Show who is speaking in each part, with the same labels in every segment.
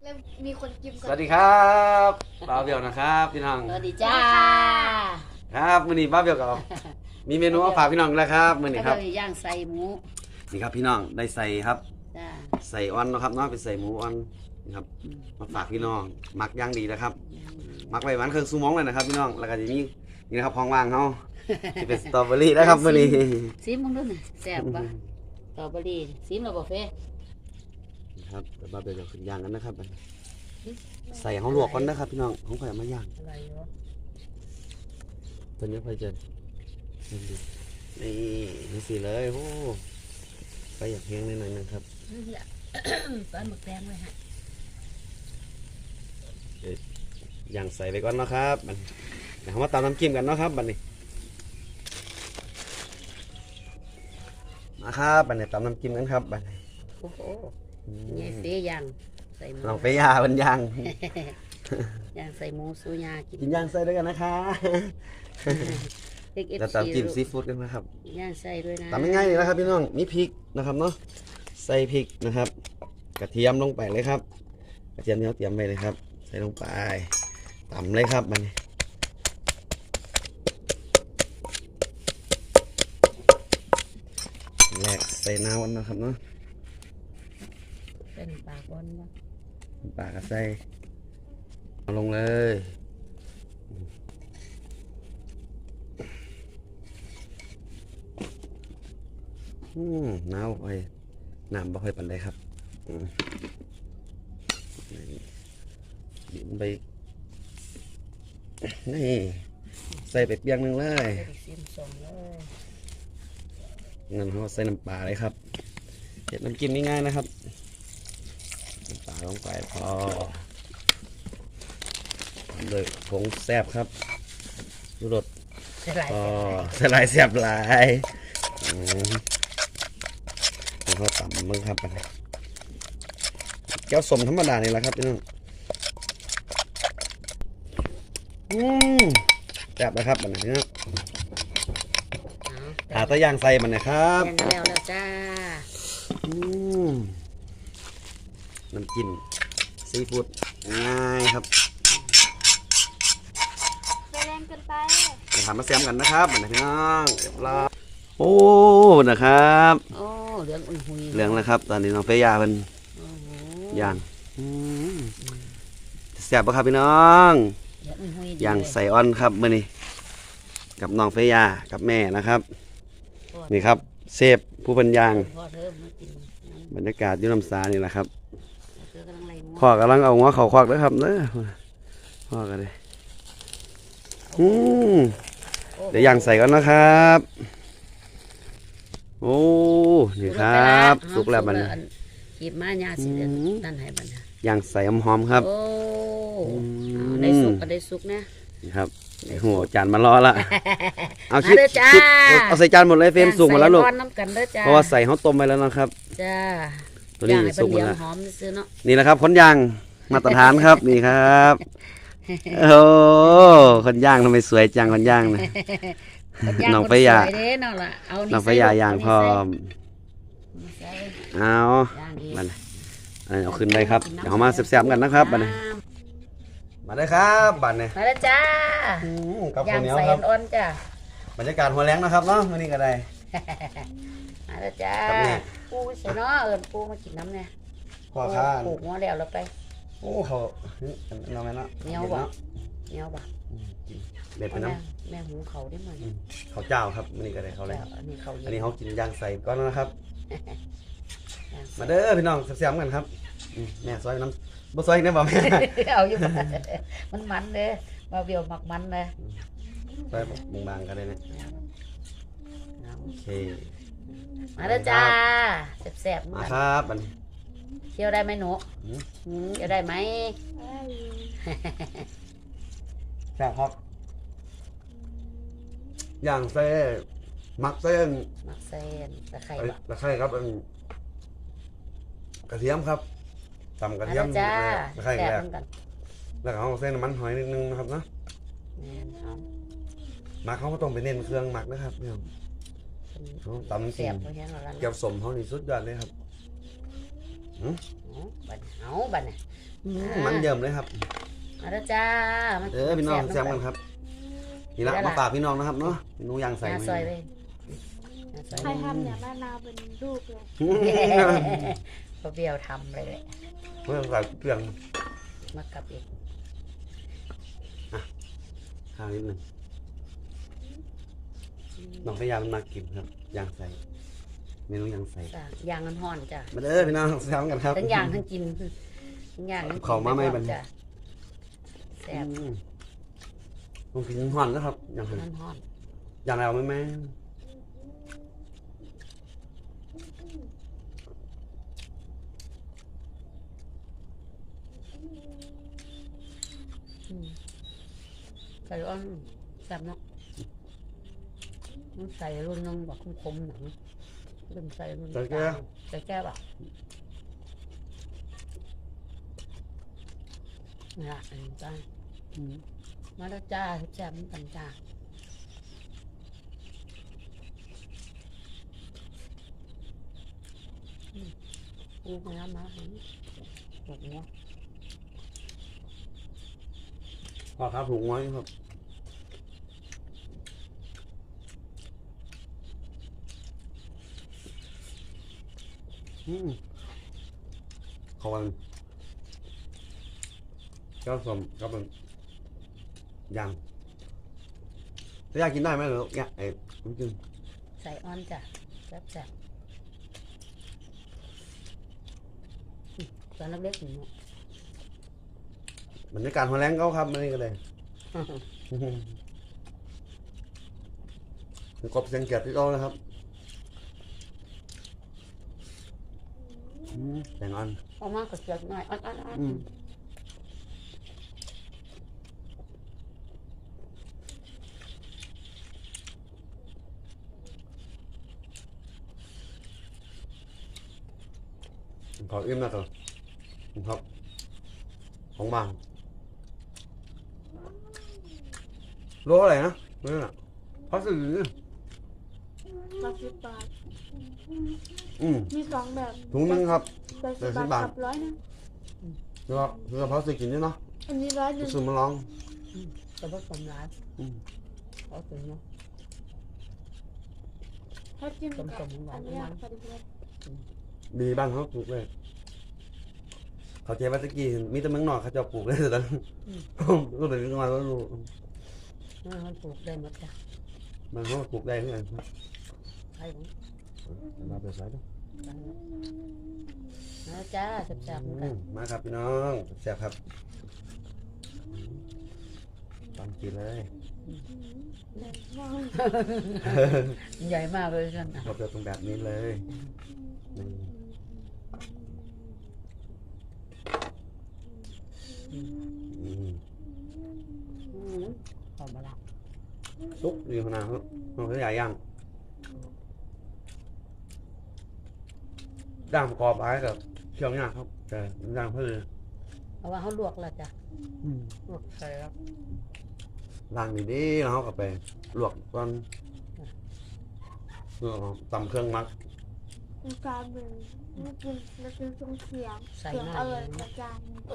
Speaker 1: แล้วมีคนกิน
Speaker 2: สวัสดีครับบ้าเบียวนะครับพี่น้อง
Speaker 3: สวัสดีจ้า
Speaker 2: ครับมื้อนี้บ้าเบียวกับมีเมนูมาฝากพี่น้องแล้วครับมื้อนี้ครับ
Speaker 3: ก็เลยย่างใส่หมู
Speaker 2: นี่ครับพี่น้องได้ใส่ครับ
Speaker 3: จ้า
Speaker 2: ใส่อ่อนเนาะครับเนาะเป็นใส่หมูอ่อนนี่ครับมาฝากพี่น้องหมักอย่างดีนะครับหมักไว้วันครึ่งชั่วโมงเลยนะครับพี่น้องแล้วก็จะมีนี่นะครับของว่างเฮาที่เป็นสตรอเบอรี่นะครับมื้อนี้
Speaker 3: ซิมมึงดูน่ะแซ่บปะสตรอเบอรี่ซิมแล้วบ่เฟ่
Speaker 2: ครับเดี๋ยวบ้าเบียวจะขึ้นย่างกันนะครับใส่เฮาลวกก่อนนะครับพี่น้องของข่อยเอามาย่าง
Speaker 3: อะไรอยู่
Speaker 2: ตอนนี้ไฟจะนี่สิเลยโอ้ไปอยากเพียงนิดหน่อยนะครับ
Speaker 3: ตอนหมึกแดงไว้ให้
Speaker 2: ย่างใส่ไปก่อนนะครับเดี๋ยวเรามาตำน้ำจิ้มกันเนาะครับบัดนี้มาครับบัดนี้ตำน้ำจิ้มกันครับบัดนี้
Speaker 3: โอ้โหยายเฟ่ย่างใส่หมู
Speaker 2: ลองไปย่าบันย่าง
Speaker 3: ย่างใส่หมูสูยากิน
Speaker 2: กินย่างใส่ด้วยกันนะคะ
Speaker 3: เด็กเอฟ
Speaker 2: แล้ว
Speaker 3: ซี
Speaker 2: ตำจิ้มซีฟู้ดกันนะครับ
Speaker 3: ย่างใส่ด้วยนะ
Speaker 2: ตำง่ายๆเลยนะครับพี่น้องมีพริกนะครับเนาะใส่พริกนะครับ กระเทียมลงไปเลยครับ กระเทียมที่เราเตรียมไว้เลยครับ ใส่ลงไปตำเลยครับบัดนี้แรกใส่น้ำนะครับเนาะ
Speaker 3: เป็นปลาบอลบ่
Speaker 2: ปลากระใส่เอาลงเลยน้ำไปน้ำบ่ค่อยปันได้ครับบินไปนี่ใส่ไปเปียงหนึ่งเลย
Speaker 3: เด็กซิมส่งเลย
Speaker 2: งั้นเราใส่น้ำปลาเลยครับเห็ดน้ำจิ้มง่ายๆนะครับน้ำปลาลงไปพอโดยผงแซ่บครับดูรส
Speaker 3: ใส่หลาย
Speaker 2: พอสลายแซ่บหลายเขาต่ำมึงครับแก้วสมธรรมดานี่แหละครับพี่น้องแซ่บนะครับบัดนี้นะหาตะย่างใส่มันนะครับ
Speaker 3: ย่างแล้วจ้า
Speaker 2: น้ำจิ้มซีฟู้ดง่ายครับ
Speaker 1: ไปแรงเกินไป
Speaker 2: จะทำมาแซมกันนะครับบัดนี้พี่น้องเรียบร้อยโอ้นะครับ
Speaker 3: โอ้เหลืองอุ่นหุย
Speaker 2: เหลืองแล้วครับ ตอนนี้น้องเฟย่าเป็น
Speaker 3: โอ้โห
Speaker 2: ย่างแซ่บปะครับพี่น้อง
Speaker 3: เหลืองอุ่นหุยดี
Speaker 2: ย่าง
Speaker 3: เลย
Speaker 2: ใส่อ้อนครับมื้อนี้กับน้องเฟย่ากับแม่นะครับ นี่ครับเซฟผู้เป็นย่าง
Speaker 3: พ่อเธอมากินน้
Speaker 2: บรรยากาศอยุ่น้ำสานี่แหละครับ
Speaker 3: ำเธอกำลังไล่หมู
Speaker 2: พ่อกำลังเอาหัวเขาควักด้วยครับเด้อพ่อกันเลยเดี๋ยวย่างใส่ก่อนนะครับ โอ้นี่ครับสุกแล้วมัน
Speaker 3: ขีบมาญาสิเดือนนั่นให้บัดนะ
Speaker 2: ย่างใส่หอมๆครับ
Speaker 3: โอ้เอาได้สุกก็ได้สุกนะ
Speaker 2: นี่ครับโอ้โหจานมารอละเอา
Speaker 3: มาเด้อจ้า
Speaker 2: เอาใส่จานหมดเลยเฟรมสุกหมดแล้วลูก
Speaker 3: ย่างใส่ร้อนน้ำกันเด้อจ้า
Speaker 2: เพราะว่าใส่เขาต้มไปแล้วนะครับ
Speaker 3: จ้า
Speaker 2: ตัวนี้
Speaker 3: ย่างให้
Speaker 2: สุ
Speaker 3: เป็น
Speaker 2: กหม
Speaker 3: เห
Speaker 2: ด
Speaker 3: ลือง
Speaker 2: แล้ว
Speaker 3: หอมซื้อเนาะ
Speaker 2: นี่แหละครับคนย่างมาตรฐานครับนี่ครับโอ้คนย่างทำไมสวยจังคนย่างนะ น้องไปย่า
Speaker 3: คนสวยเด้น้องล่ะเอา
Speaker 2: น้องพยาย่างพร้อม
Speaker 3: นี่ใส่
Speaker 2: เอา
Speaker 3: ย่างอีก
Speaker 2: มันเอาขึ้นได้ครับเดี๋ยวเอามาแซ่บๆกันนะครับบัดนี้มาได้ครับบัดนี้
Speaker 3: มาแล้วจ้า
Speaker 2: กับ
Speaker 3: ย่า
Speaker 2: ข้าว
Speaker 3: ง
Speaker 2: เหนียว
Speaker 3: ใส่
Speaker 2: ครับ
Speaker 3: อ่อนๆจ้า
Speaker 2: บรรยากาศหัวแรงนะครับเนาะวันนี้ก็ได้
Speaker 3: มาแล้วจ้า
Speaker 2: ครับแม่
Speaker 3: ปูใส่เนาะปูมากินน้ำเนี่ย
Speaker 2: พ่อข้าน
Speaker 3: ปลูกหัวแล้วเราไป
Speaker 2: โอ้เขาเราไหมเนาะ
Speaker 3: เหนียวบ่เหนียวบ่
Speaker 2: เด็ดไป
Speaker 3: เอา
Speaker 2: น้
Speaker 3: แม่หุงเขาได้มั้ย
Speaker 2: ำเขาวเจ้าครับวันนี้ก็ได้เขาเลย
Speaker 3: อันนี้เขา
Speaker 2: อันนี้เขากินย่างใส่ก้อนแล้วนะครับ
Speaker 3: ย่างใส่
Speaker 2: มาเด้อพี่น้องแซ่บๆกันครับแม่ซอยน้ำบ่ซอยได้บ่แม่
Speaker 3: เอาอยู่บ่มันเด้มาเบียวหมักมันเลย
Speaker 2: ซอยบางๆกันเลยนะโอเค
Speaker 3: มาแล้วจ้าแซ่บๆ
Speaker 2: มาครับบัดนี้
Speaker 3: เที่ยวได้ไหมหนู
Speaker 2: อืม
Speaker 3: เที่ยวได้ไหม
Speaker 2: แซ่บครับย่างเส้นมักเส้น
Speaker 3: หมักเส้นตะไคร้บ่
Speaker 2: ตะไคร้ครับกระเทียมครับตำกระ
Speaker 3: มา
Speaker 2: เทีย
Speaker 3: แล้
Speaker 2: ม
Speaker 3: วจ้า
Speaker 2: ตะไคร้
Speaker 3: แซ่บ
Speaker 2: แรก
Speaker 3: เหมือนกัน
Speaker 2: แล้วก็เอาเส้นน้ำมันหอยนิดนึงนะครับเนาะ
Speaker 3: แม่นเอา
Speaker 2: หมักเขาก็ต้องไปเน้นเครื่องหมักนะครับเนี่ยเขาตำจริ
Speaker 3: แซ่
Speaker 2: ง
Speaker 3: บเพราะฉะนั้นเรา
Speaker 2: เกี่ยวสมเขานี่สุดยอดเลยครับ
Speaker 3: เอาบัดน่ะ
Speaker 2: มันเยิ่มเลยครับ
Speaker 3: มาแล้วจ้ามา
Speaker 2: พี่น้องแซมกันครับนี่ละมาฝากพี่น้องนะครับเนาะหนูยางใส่
Speaker 3: ซอยไป
Speaker 1: ใครทำเนี่ยมะนาวเป็นลูกเลย
Speaker 3: พอเบี้ยวทำเลย
Speaker 2: เพื่อใส่เปลือง
Speaker 3: มากับอีก
Speaker 2: ข้าวนิดหนึงน้องพยายามมากินครับยางใส่เมนูยางใส่
Speaker 3: ยางน้ำห่อนจ้ะ
Speaker 2: มาเด้อพี่น้องแซมกันครับ
Speaker 3: ทั้งยางทั้งกินทั้งยางทั้ง
Speaker 2: เขามาไม่บัน
Speaker 3: จ้ะแซ่บ
Speaker 2: ลองกินห่อนนะครับอย่างไร
Speaker 3: น้ำห่อน
Speaker 2: อย่างไรเอาไหมแม่
Speaker 3: ใส่อ้อนแซ่บเนาะใส่รุ่นนึงแบบคมๆหนังรุ่นใส่รุ่นใส่แก้วอ่ะนี่ละอันนี้จ้ามาแล้วจ้าแซ่บมันกันจ้าอู้มาแล้วมาแบบนี้
Speaker 2: พอครับถุงไว้ครับเขาวันเจ้าสมก็เป็นยางถ้าอยากกินได้ไหมหรือเนี่ยไอ้น้ำจิ้ม
Speaker 3: ใส่อ้อนจ้ะแซ่บตอนเล็กๆหนู
Speaker 2: บรรยากาศหัวแรงเขาครับมันนี่ก็เลยกบเสียงเกียรติเขานะครับแตงอ่อน
Speaker 3: ออกมาก็เสียหน่อยอ้อน
Speaker 2: ขออิ่มนะครับครับของบางโลอะไรนะนี่น่ะพัสดุ
Speaker 1: 80 บาท มี2 แบบ
Speaker 2: ถุงนึงครับ
Speaker 1: 80 บาทกับ100นึง
Speaker 2: แล้วก็เราพัสดุกินด้วยเนาะ
Speaker 1: อันนี้100นึง
Speaker 2: ซื้อมาลอง
Speaker 3: แต่ผสมร้านเขาถึงเนาะ
Speaker 1: ถ้าจิ้มกับ
Speaker 3: สมๆหวาน
Speaker 1: อันเนี้ย
Speaker 3: มัน
Speaker 1: พอดีเลย
Speaker 2: ดีบ้านเขาปลูกเลยเขาเจ๊ว่าตะกี้มีแต่เมืองนอกเขาจะปลูกเลยแต่ตอนก็เลยมาแล้วรู้
Speaker 3: มันปลูกได้หมดจ้ะ
Speaker 2: มันเขาปลูกได้เหมือนกัน
Speaker 3: ใช่ผม
Speaker 2: มาไปใส่ด้วย
Speaker 3: นะจ้าแซ่บๆเหมือนกัน
Speaker 2: มาครับพี่น้องแซ่บครับตามกินเลย
Speaker 3: ใหญ่มากเลยฉัน
Speaker 2: เราจะตรงแบบนี้เลย
Speaker 3: หอมมาละ
Speaker 2: ซุกดีขนาดเขาเขาใหญ่ย่างย่างประกอบไว้กับเชียงย่างครับแต่ย่างเพื่อ
Speaker 3: เพราะว่าเขาลวกแล้วจ้ะลวกใส่แล้ว
Speaker 2: ล้างดีๆแล้วเขาก็ไปลวกก่อนตำเครื่องมัก
Speaker 1: มันกลายเป็นไม่กินแล้วกินตรงเขียง
Speaker 3: ใส่
Speaker 1: เขียง
Speaker 3: หน้า
Speaker 1: กระจาย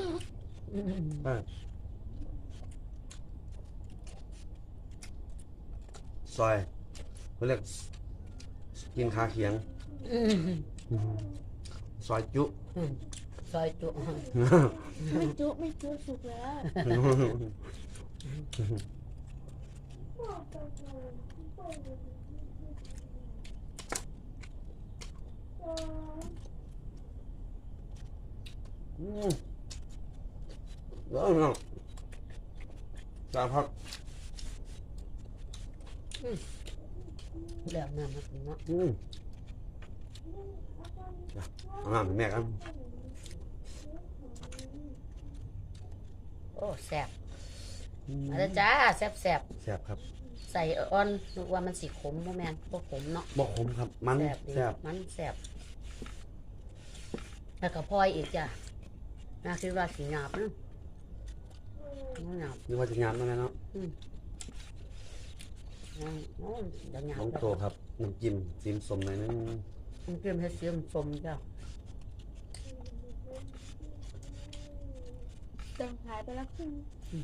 Speaker 2: ซอยเขาเรียกกินคาเขียงซอยจุ
Speaker 3: ซอยจุ
Speaker 1: ไม่จุสุกแล้ว
Speaker 2: เดี๋ยวน้องจ้าพัก
Speaker 3: เดี๋ยวน้ำมาถึงเนาะ
Speaker 2: เอาน้ำแม่กัน
Speaker 3: โอ้แซ่บมาแล้วจ้าแซ่บ
Speaker 2: แซ่บครับ
Speaker 3: ใส่อ้อนนึกว่ามันสีขมบ่แม่นบ่ขมเนาะ
Speaker 2: บ่ขมครับมัน
Speaker 3: แซ่บดี
Speaker 2: แซ่บ
Speaker 3: มันแซ่บแล้วก็พลอยอีกจ้ะน่าคิดว่าสีหยาบนะหยาบ
Speaker 2: นึกว่าจะงานมาแล้วเนาะ
Speaker 3: โอ้เดี๋ยวหยาบ
Speaker 2: น้องโตครับน้ำจิ้มซีมสมหน่อยนึง
Speaker 3: มันเกลือให้เสียมสมจ้ะ
Speaker 1: เติมขายไปแล้วครึ่ง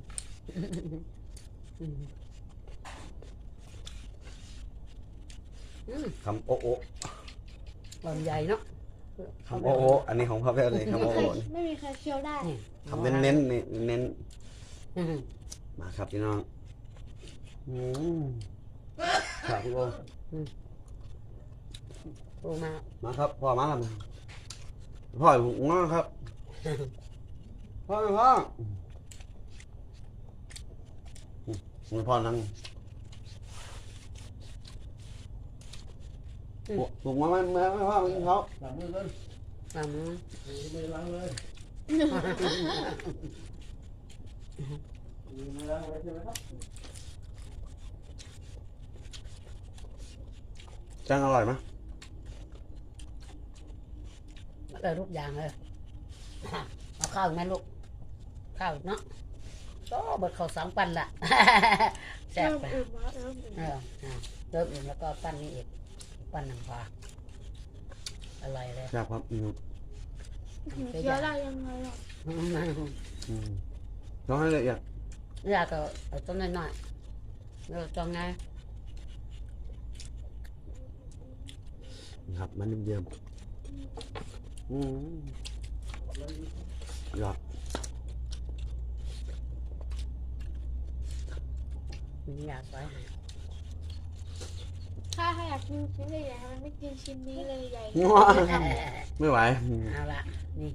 Speaker 2: คำโอ้โอ้
Speaker 3: ลำใหญ่เนาะ
Speaker 2: คำโอ้โอ้อันนี้ของพ่อแพทย์เลยคำโอ้โอ้
Speaker 1: ไม่มีใครเคี้ยวได้
Speaker 3: นี่
Speaker 2: คำเน้นๆนี่เน้น
Speaker 3: อืม
Speaker 2: มาครับพี่น้องครับพี่โอ
Speaker 3: โอ้มา
Speaker 2: มาครับพ่อมาแล้วพ่ออยู่ง้อครับพ่อพ่อพ่อนั่งบุกมาไม่พ่อกินเขา
Speaker 4: หลังมือกัน
Speaker 3: ลำมือ
Speaker 4: มือล้างเลยมือล้างเลยใช่ไหมครับ
Speaker 2: จังอร่อยไหม
Speaker 3: เลยทุกอย่างเลยเอาข้าวอีกไหมลูกข้าวอีกเนาะก็เบิดข้าว2 ปั้นละแซ่บ
Speaker 1: เริ่ม
Speaker 3: ไป
Speaker 1: อิ่มแล้วเริ่มอิ่ม
Speaker 3: เริ่มอิ่มแล้วก็ปั้นนี้อีกปั้นหนังปลาอร่อยเลย
Speaker 2: แซ่บครับ
Speaker 1: เคี้ยวได้ยังไงอ่ะ
Speaker 2: ต้องให้ละเอียด
Speaker 3: อยากก็เอาต้นน้อยๆแล้วจองไง
Speaker 2: ครับมันเยี่ยมยอด
Speaker 3: อยากไว้ให้
Speaker 1: ถ้าอยากกินชิ้นใหญ่ๆมันไม่กินชิ้นนี้เลยใหญ่
Speaker 2: ไม่ไหว
Speaker 3: เอาละนี่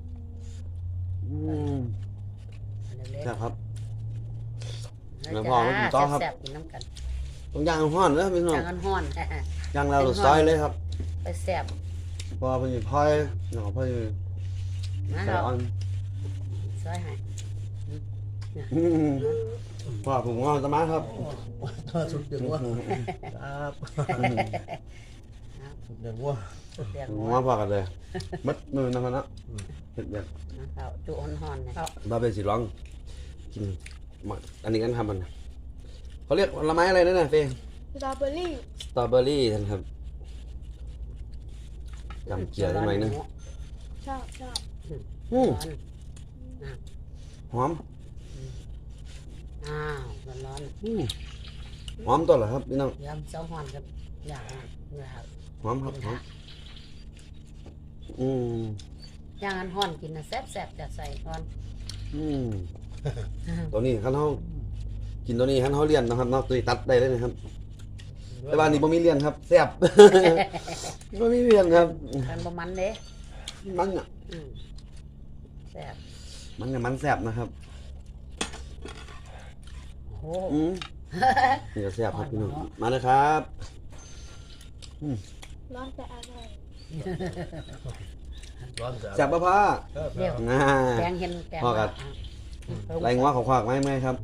Speaker 3: อันเล็ก
Speaker 2: แซ่บครับ
Speaker 3: ๆ
Speaker 2: แล้วพอมากินต่อครับ
Speaker 3: แซ่บๆกินน้ำกัน
Speaker 2: ต้องย่างห้อนเลยพี่น้อง
Speaker 3: จางกันห้อน
Speaker 2: ย่างเราซอยเลยครับ
Speaker 3: ไปแซ่บ
Speaker 2: พอเป็นพอยหน่อพอย
Speaker 3: นะ
Speaker 2: ใส่
Speaker 3: เรา
Speaker 2: อ่อน
Speaker 3: ซอยให้
Speaker 2: พ่อผมงอนสมาครับ
Speaker 4: สุดเดือดวัวครับสุดเดือดวัว
Speaker 3: สุดเดีย
Speaker 2: ผม
Speaker 3: ว
Speaker 2: งอนพอกันเลยมัดมือนะครับนะเผ็ดแบบ
Speaker 3: เราจุห่อนๆเนี่ย
Speaker 2: บ้าเป็นสีร้องกินอันนี้กันทำมันเขาเรียกผลไม้อะไรนั่นน่ะเฟ่
Speaker 1: สตรอเบอรี่
Speaker 2: สตรอเบอรี่ท่านครับจำเจียวได้ไหมนึง
Speaker 1: ชอบ
Speaker 3: ร้อน
Speaker 2: หอม
Speaker 3: อ้าวร้อน
Speaker 2: หอมตัวเหรอครับพี่น้อง
Speaker 3: ๆยำเจ้าห่อนกับอย่างอยาก
Speaker 2: หอมครับหอม
Speaker 3: ย่างอันห่อนกินนะแซ่บๆจะใส่ห่อน
Speaker 2: ตัวนี้ขั้นเขากินตัวนี้ขั้นเขาเลียนนะครับเนาะตัวนี้ตัดได้เลยนะครับแต่บ้านนี้บ่มีเลียนครับแซ่บ บ่มีเลียนครับ
Speaker 3: มันบ่มันเด้
Speaker 2: มันอ่ะ
Speaker 3: แซ่บ
Speaker 2: มันกับมันแซ่บนะครับ
Speaker 3: โอ้
Speaker 2: นี่ก็แซ่บครับพี่น้องมาเลยครับ
Speaker 1: ร้อนแต่อร่อย
Speaker 4: ร้อนจัด
Speaker 2: แซ่บปะพ่อ
Speaker 3: เดี๋ยว
Speaker 2: น่า
Speaker 3: แกงเห็นแกง
Speaker 2: พ่อกัด ไรงัวของขวากไหมครับ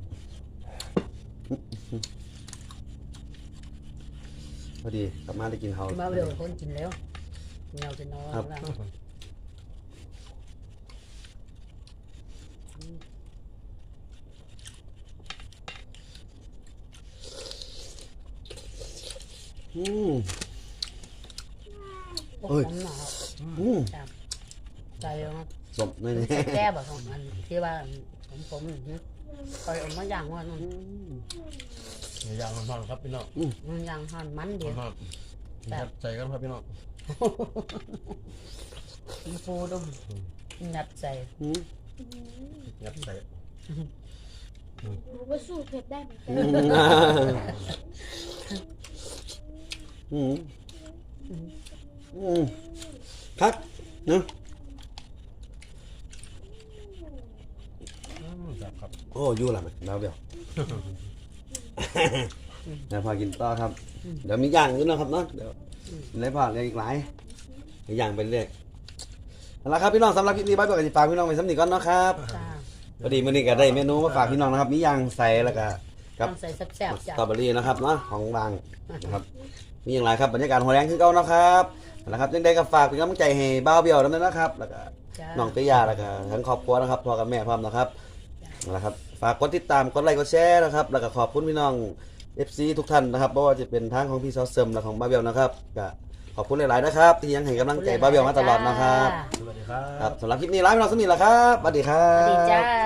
Speaker 2: พอดีกลับมาได้กินเขา
Speaker 3: มาเร็วคนกินแล้วเงาจะนอนแล้ว
Speaker 2: อืม
Speaker 3: โอ้ยหนาว ใจแล้ว
Speaker 2: สมไม่
Speaker 3: ใส่
Speaker 2: แน่
Speaker 3: แก้แบบของมันที่ว่าผมคอยเอามาย่างว่านั่น
Speaker 4: ย่างร้อนๆครับพี่น้อง
Speaker 3: มันย่างห่อนมันเดียว
Speaker 4: ร้อนๆใส่กันครับพี่น้อง
Speaker 3: มีปูดุมนัดใจ
Speaker 4: งัดใส่
Speaker 1: หนูก็สู้เผ็ดได้เหมือนกัน
Speaker 2: ครับเนาะ
Speaker 4: ครับ
Speaker 2: โอ้ยู่ละมันแล้วเดี๋ยวเดี๋ยวพากินต่อครับ เดี๋ยวมีย่างด้วยนะครับเนาะเดี๋ยวได้พอเลยอีกหลายย่างไปเรื่อยเอาละครับพี่น้องสำหรับคลิปนี้บ๊ายบายกับฝากพี่น้องไปสำนีก่อนเนาะครับ
Speaker 3: จ้า
Speaker 2: พอดีมื้อนี้ก็ได้เมนูมาฝากพี่น้องนะครับมีย่างใส่แล้วก็กับ
Speaker 3: ต้องใส่แซ่บ
Speaker 2: ส
Speaker 3: ๆจ้า
Speaker 2: ตรอเบอรี่นะครับเนาะของบางนะครับมีอย่างไรครับบรรยากาศหัวแรงคือเก่านะครับนะครับยังได้ก็ฝากเป็นกำลังใจให้บ้าวเบี้ยวด้วยนะครับแล้วก็
Speaker 3: จ้า
Speaker 2: น้องเตยาแล้วก็ทั้งครอบครัวนะครับพ่อกับแม่พร้อมนะครับนะครับฝากกดติดตามกดไลค์กดแชร์นะครับแล้วก็ขอบคุณพี่น้อง FC ทุกท่านนะครับไม่ว่าจะเป็นทั้งของพี่ซอสเซิมและของบ้าวเบี้ยวนะครับก็ขอบคุณหลายๆนะครับที่ยังให้กำลังใจบ้าวเบี้ยวมาตลอดนะครับ
Speaker 4: สวัสดีครับ
Speaker 2: ครับสำหรับคลิปนี้ลาไปน้องสมิธแล้วครับสวัสดีครั
Speaker 3: สวัสดี
Speaker 2: บ
Speaker 3: จ้า